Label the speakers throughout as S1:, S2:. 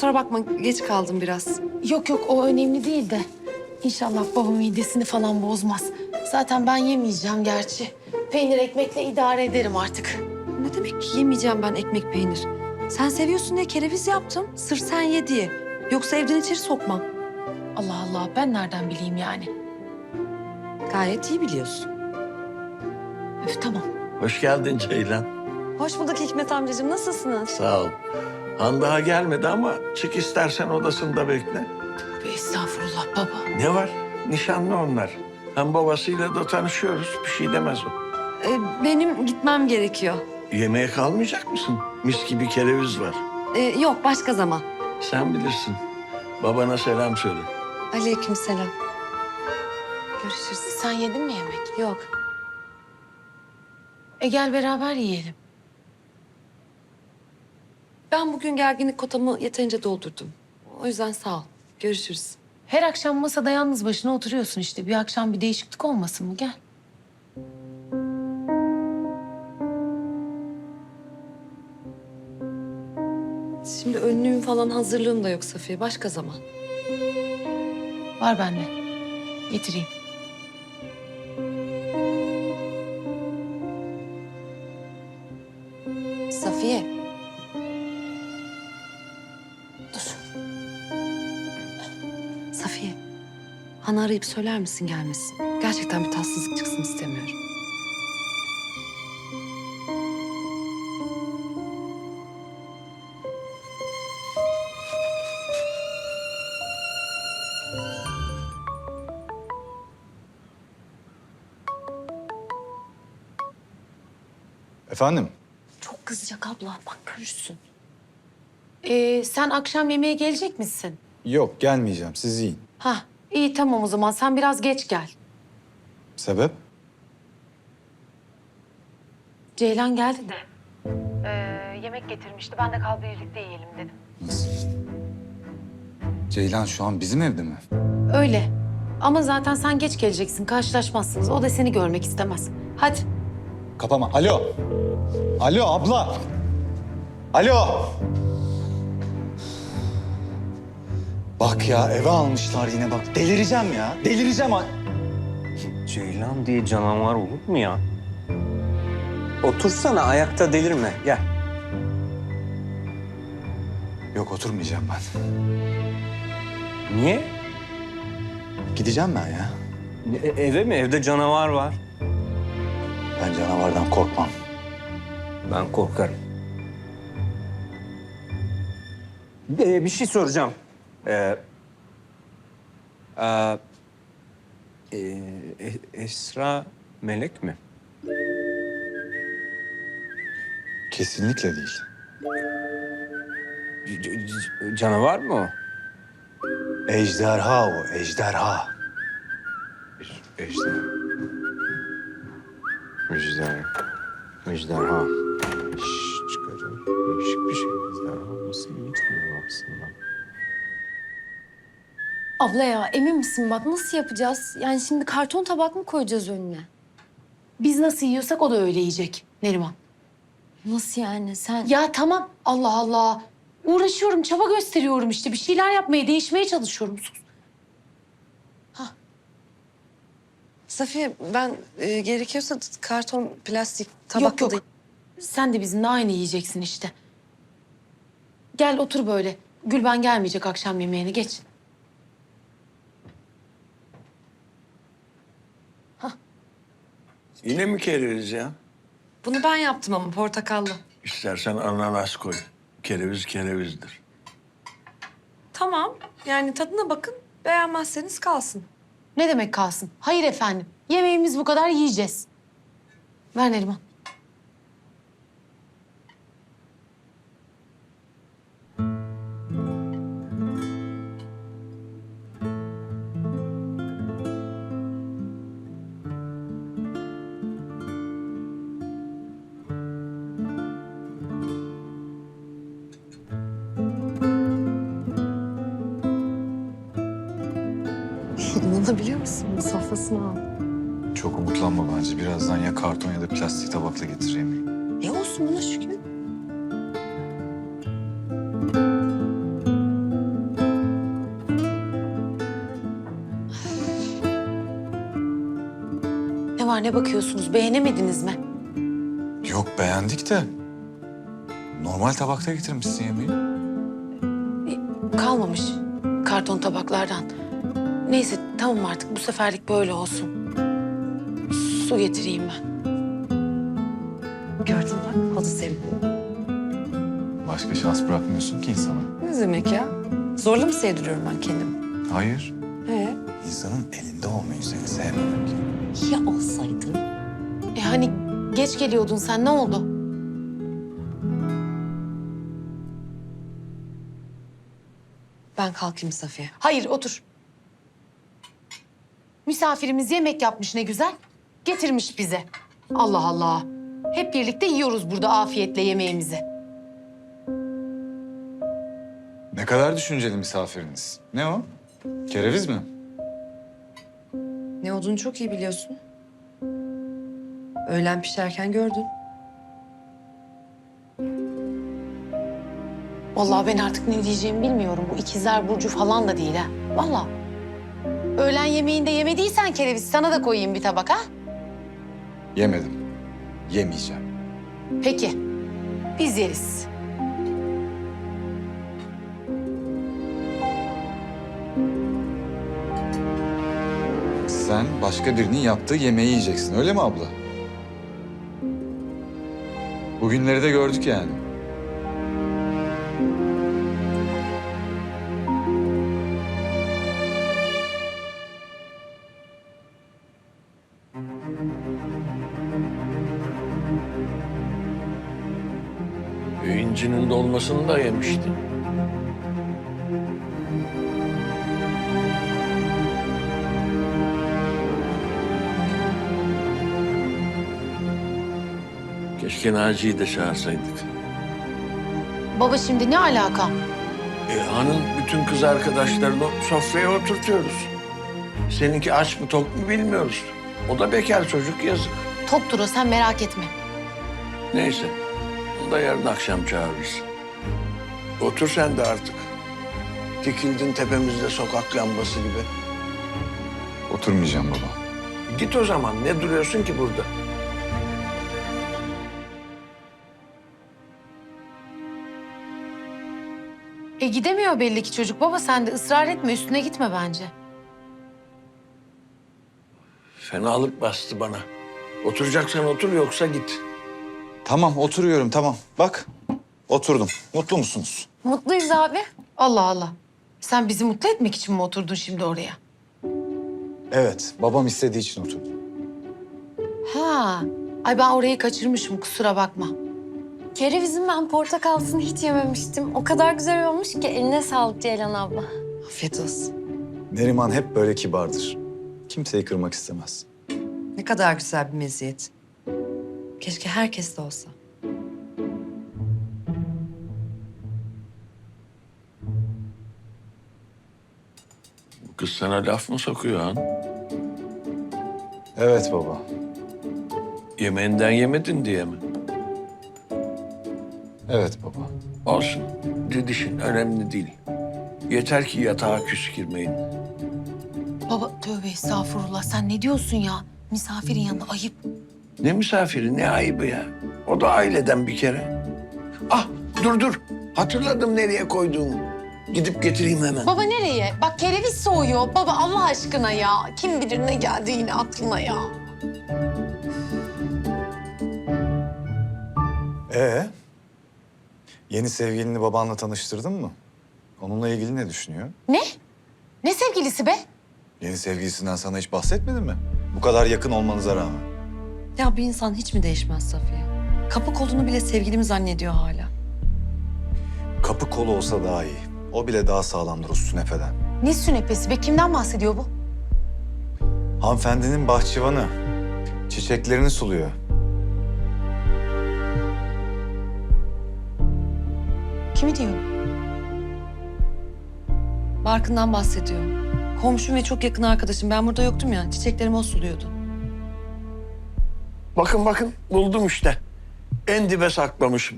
S1: kusura bakma geç kaldım biraz.
S2: Yok yok, o önemli değil de. İnşallah baba midesini falan bozmaz. Zaten ben yemeyeceğim gerçi. Peynir ekmekle idare ederim artık.
S1: Ne demek yemeyeceğim ben ekmek peynir? Sen seviyorsun diye kereviz yaptım. Sırf sen ye diye. Yoksa evden içeri sokmam.
S2: Allah Allah, ben nereden bileyim yani?
S1: Gayet iyi biliyorsun.
S2: Öf, tamam.
S3: Hoş geldin Ceylan.
S1: Hoş bulduk Hikmet amcacığım. Nasılsınız?
S3: Sağ ol. Han daha gelmedi ama çık istersen odasında bekle.
S2: Estağfurullah baba.
S3: Ne var? Nişanlı onlar. Hem babasıyla da tanışıyoruz. Bir şey demez o.
S1: Benim gitmem gerekiyor.
S3: Yemeğe kalmayacak mısın? Mis gibi kereviz var.
S1: Yok başka zaman.
S3: Sen bilirsin. Babana selam söyle.
S1: Aleykümselam. Görüşürüz.
S2: Sen yedin mi yemek?
S1: Yok.
S2: Gel beraber yiyelim.
S1: Ben bugün gerginlik kotamı yeterince doldurdum. O yüzden sağ ol. Görüşürüz.
S2: Her akşam masada yalnız başına oturuyorsun işte. Bir akşam bir değişiklik olmasın mı? Gel.
S1: Şimdi önlüğüm falan hazırlığım da yok Safiye. Başka zaman.
S2: Var bende. Getireyim.
S1: Safiye.
S2: Dur.
S1: Safiye. Hanı arayıp söyler misin gelmesin? Gerçekten bir tatsızlık çıksın istemiyorum.
S4: Efendim?
S1: Çok kızacak abla. Bak görürsün.
S2: Sen akşam yemeğe gelecek misin?
S4: Yok, gelmeyeceğim. Siz yiyin.
S2: Hah, iyi tamam o zaman. Sen biraz geç gel.
S4: Sebep?
S2: Ceylan geldi de. Yemek getirmişti. Ben de kal birlikte yiyelim dedim.
S4: Nasıl? Ceylan şu an bizim evde mi?
S2: Öyle. Ama zaten sen geç geleceksin. Karşılaşmazsınız. O da seni görmek istemez. Hadi.
S4: Kapama. Alo. Alo abla. Alo. Bak ya eve almışlar yine bak. Delireceğim ya. Delireceğim.
S5: Ceylan diye canavar olur mu ya? Otursana, ayakta delirme. Gel.
S4: Yok oturmayacağım ben.
S5: Niye?
S4: Gideceğim ben ya.
S5: Eve mi? Evde canavar var.
S4: Ben canavardan korkmam.
S5: Ben korkarım. Bir şey soracağım. Esra melek mi?
S4: Kesinlikle değil.
S5: Canavar mı o?
S4: Ejderha o, ejderha.
S5: Ejderha. Ejderha. Çıkarıyor. Değişik bir şey. Ejderha olması ilginç bir aslında.
S1: Abla ya emin misin bak nasıl yapacağız? Yani şimdi karton tabak mı koyacağız önüne?
S2: Biz nasıl yiyorsak o da öyle yiyecek Neriman.
S1: Nasıl yani sen?
S2: Ya tamam. Allah Allah. Uğraşıyorum, çaba gösteriyorum işte. Bir şeyler yapmaya, değişmeye çalışıyorum. Sus.
S1: Safiye ben gerekiyorsa karton, plastik, tabakla
S2: Yok
S1: da...
S2: yok. Sen de bizimle aynı yiyeceksin işte. Gel otur böyle. Gülben gelmeyecek akşam yemeğine. Geç.
S3: Yine mi kereviz ya?
S1: Bunu ben yaptım ama portakallı.
S3: İstersen ananas koy. Kereviz kerevizdir.
S1: Tamam yani tadına bakın beğenmezseniz kalsın.
S2: Ne demek kalsın? Hayır efendim. Yemeğimiz bu kadar yiyeceğiz. Ver Neriman.
S1: İnanabiliyor musun? Sofrasını al.
S4: Çok umutlanma bence. Birazdan ya karton ya da plastik tabakla getir yemeği.
S1: Ne olsun buna şükür.
S2: var, ne bakıyorsunuz? Beğenemediniz mi?
S4: Yok beğendik de. Normal tabakta getirmişsin yemeği.
S2: Kalmamış karton tabaklardan. Neyse tamam artık bu seferlik böyle olsun. Su getireyim ben.
S1: Gördün bak halı sevdi.
S4: Başka şans bırakmıyorsun ki insana.
S1: Ne demek ya? Zorla mı sevdiriyorum ben kendimi?
S4: Hayır. İnsanın elinde olmayı seni sevmemek.
S1: Ya olsaydı?
S2: Hani geç geliyordun sen, ne oldu?
S1: Ben kalkayım Safiye.
S2: Hayır, otur. Misafirimiz yemek yapmış ne güzel. Getirmiş bize. Allah Allah. Hep birlikte yiyoruz burada afiyetle yemeğimizi.
S4: Ne kadar düşünceli misafiriniz. Ne o? Kereviz mi?
S1: Ne olduğunu çok iyi biliyorsun. Öğlen pişerken gördün.
S2: Vallahi ben artık ne diyeceğimi bilmiyorum. Bu ikizler burcu falan da değil ha. Vallahi. Öğlen yemeğinde yemediysen kereviz sana da koyayım bir tabak ha.
S4: Yemedim. Yemeyeceğim.
S2: Peki. Biz yeriz.
S4: Sen başka birinin yaptığı yemeği yiyeceksin öyle mi abla? Bugünleri de gördük yani.
S3: İncinin dolmasını da yemiştin. Keşke Naci'yi de çağırsaydık.
S2: Baba şimdi ne alaka?
S3: Hanın bütün kız arkadaşlarını sofraya oturtuyoruz. Seninki aç mı tok mu bilmiyoruz. O da bekar çocuk, yazık.
S2: Toktur o, sen merak etme.
S3: Neyse, onu da yarın akşam çağırırız. Otur sen de artık. Dikildin tepemizde sokak lambası gibi.
S4: Oturmayacağım baba.
S3: Git o zaman, ne duruyorsun ki burada?
S2: Gidemiyor belli ki çocuk. Baba sen de ısrar etme, üstüne gitme bence.
S3: Fenalık bastı bana. Oturacaksan otur, yoksa git.
S4: Tamam oturuyorum tamam. Bak oturdum. Mutlu musunuz?
S2: Mutluyuz abi. Allah Allah. Sen bizi mutlu etmek için mi oturdun şimdi oraya?
S4: Evet babam istediği için oturdum.
S2: Ha. Ay ben orayı kaçırmışım, kusura bakma.
S6: Kerevizin ben portakalsını hiç yememiştim. O kadar güzel olmuş ki eline sağlık Ceylan abla.
S1: Afiyet olsun.
S4: Neriman hep böyle kibardır. Kimseyi kırmak istemez.
S1: Ne kadar güzel bir meziyet. Keşke herkes de olsa.
S3: Bu kız sana laf mı sokuyor Han?
S4: Evet baba.
S3: Yemeğinden yemedin diye mi?
S4: Evet baba.
S3: Olsun. Didişin önemli değil. Yeter ki yatağa küs girmeyin.
S2: Baba tövbe estağfurullah, sen ne diyorsun ya? Misafirin yanında ayıp.
S3: Ne misafiri, ne ayıbı ya. O da aileden bir kere. Ah, dur. Hatırladım nereye koyduğumu. Gidip getireyim hemen.
S2: Baba nereye? Bak kereviz soğuyor. Baba Allah aşkına ya. Kim bilir ne geldi yine aklına ya.
S4: Yeni sevgilini babanla tanıştırdın mı? Onunla ilgili ne düşünüyor?
S2: Ne? Ne sevgilisi be?
S4: Yeni sevgilisinden sana hiç bahsetmedi mi? Bu kadar yakın olmanıza rağmen.
S1: Ya bir insan hiç mi değişmez Safiye? Kapı kolunu bile sevgilim zannediyor hala.
S4: Kapı kolu olsa daha iyi. O bile daha sağlamdır o sünefeden.
S2: Ne sünepesi be? Kimden bahsediyor bu?
S4: Hanımefendinin bahçıvanı. Çiçeklerini suluyor.
S2: Kimi diyor?
S1: Barkın'dan bahsediyor. Komşum ve çok yakın arkadaşım. Ben burada yoktum ya. Çiçeklerimi o suluyordu.
S3: Bakın buldum işte. En dibe saklamışım.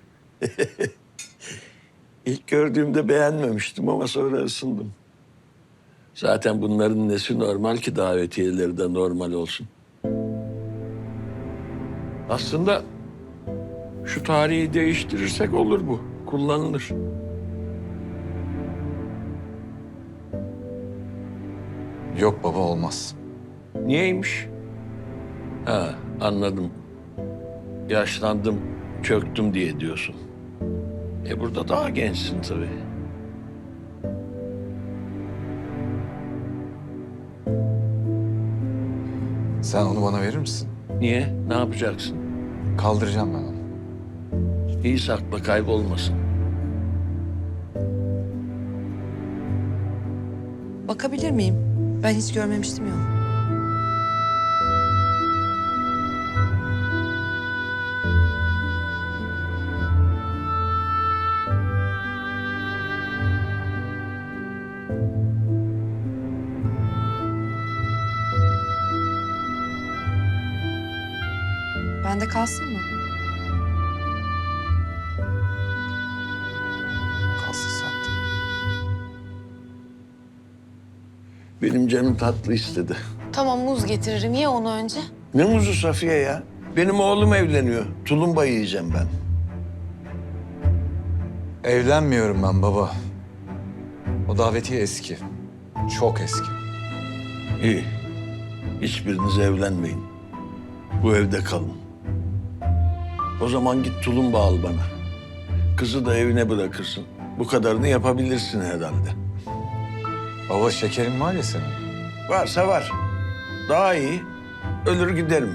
S3: İlk gördüğümde beğenmemiştim ama sonra ısındım. Zaten bunların nesi normal ki davetiyeleri de normal olsun. Aslında şu tarihi değiştirirsek olur bu. Kullanılır.
S4: Yok baba olmaz.
S3: Niyeymiş? Ha, anladım. Yaşlandım, çöktüm diye diyorsun. Burada daha gençsin tabii.
S4: Sen onu bana verir misin?
S3: Niye? Ne yapacaksın?
S4: Kaldıracağım ben onu.
S3: İyi sakla, kaybolmasın.
S1: Bakabilir miyim? Ben hiç görmemiştim ya. Bende kalsın mı?
S4: Kalsın sende.
S3: Benim canım tatlı istedi.
S2: Tamam muz getiririm. Ye onu önce.
S3: Ne muzu Safiye ya? Benim oğlum evleniyor. Tulumba yiyeceğim ben.
S4: Evlenmiyorum ben baba. O davetiye eski. Çok eski.
S3: İyi. Hiçbiriniz evlenmeyin. Bu evde kalın. O zaman git tulumba al bana. Kızı da evine bırakırsın. Bu kadarını yapabilirsin herhalde.
S4: Baba şekerin var ya senin.
S3: Varsa var. Daha iyi. Ölür giderim.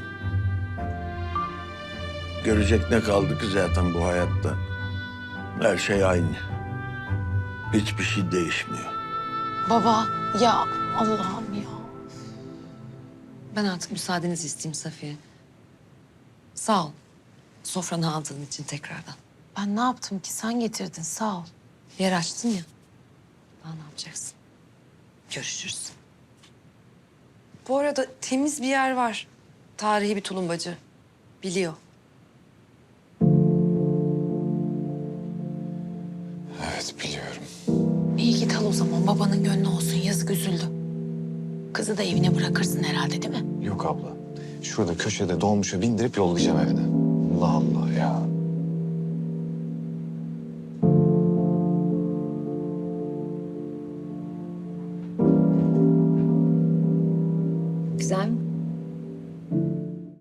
S3: Görecek ne kaldı ki zaten bu hayatta? Her şey aynı. Hiçbir şey değişmiyor.
S2: Baba ya Allah'ım ya.
S1: Ben artık müsaadenizi isteyeyim Safiye. Sağ ol. Sofranı aldığın için tekrardan.
S2: Ben ne yaptım ki? Sen getirdin. Sağ ol.
S1: Yer açtın ya. Daha ne yapacaksın? Görüşürüz. Bu arada temiz bir yer var. Tarihi bir tulumbacı. Biliyor.
S4: Evet biliyorum.
S2: İyi git al o zaman. Babanın gönlü olsun. Yazık üzüldü. Kızı da evine bırakırsın herhalde değil mi?
S4: Yok abla. Şurada köşede dolmuşa bindirip yollayacağım evine. Allah Allah ya.